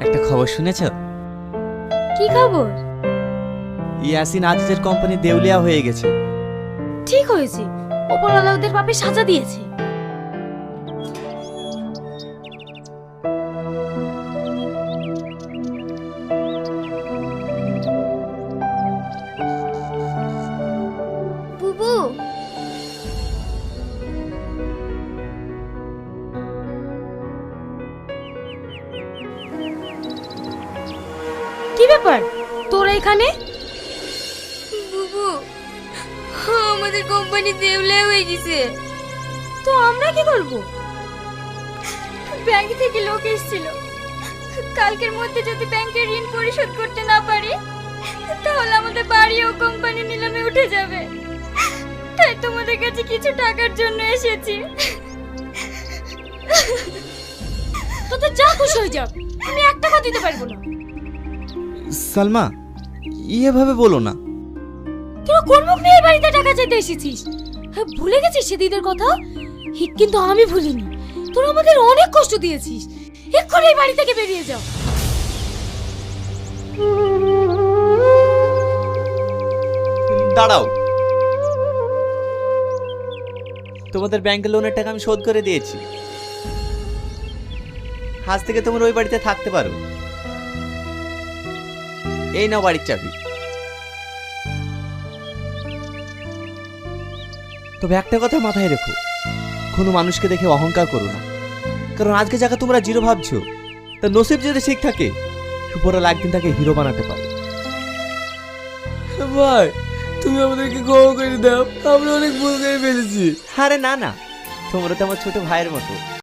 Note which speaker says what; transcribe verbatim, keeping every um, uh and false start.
Speaker 1: একটা খবর শুনেছো?
Speaker 2: কি খবর?
Speaker 1: ইয়াসিন আজিজের কোম্পানি দেউলিয়া হয়ে গেছে।
Speaker 2: ঠিক হয়েছে, ওপরওয়ালা ওদের পাপে সাজা দিয়েছে। বুবু, কি ব্যাপার তোরা এখানে?
Speaker 3: বুবু, আমাদের কোম্পানি দেউলিয়া হয়ে গেছে।
Speaker 2: তো আমরা কি করব?
Speaker 3: ব্যাংক থেকে লোক এসেছিল, কালকের মধ্যে যদি ব্যাংকের ঋণ পরিশোধ করতে না পারি তাহলে আমাদের বাড়ি ও কোম্পানি নিলামে উঠে যাবে। তাই তোমাদের কাছে কিছু টাকার জন্য এসেছি।
Speaker 2: তোদের যা খুশি হয়ে যাও, আমি এক টাকা দিতে পারবো না।
Speaker 1: সালমা, এভাবে বলো না।
Speaker 2: তোরা কোন মুখ নিয়ে এই বাড়িতে টাকা চাইতে এসেছিস? হ্যাঁ, ভুলে গেছিস সেদিনের কথা? হি, কিন্তু আমি ভুলিনি। তোরা আমাদের অনেক কষ্ট দিয়েছিস। এক্ষুনি এই বাড়ি থেকে বেরিয়ে যাও।
Speaker 1: দাঁড়াও, তোমাদের ব্যাংকের লোনের টাকা আমি শোধ করে দিয়েছি। আজ থেকে তোমরা ওই বাড়িতে থাকতে পারো। এই নাও বাড়ির চাবি। তবে একটা কথা মাথায় রেখো, কোনো মানুষকে দেখে অহংকার করো না। কারণ আজকে যাকে তোমরা জিরো ভাবছো, তার নসিব যদি ঠিক থাকে, উপরওয়ালা একদিন তাকে হিরো বানাতে পারে।
Speaker 4: ভাই, তুমি আমাদেরকে ক্ষমা করে দাও, আমরা অনেক ভুল করে ফেলেছি।
Speaker 1: আরে না না, তোমরা তো আমার ছোট ভাইয়ের মতো।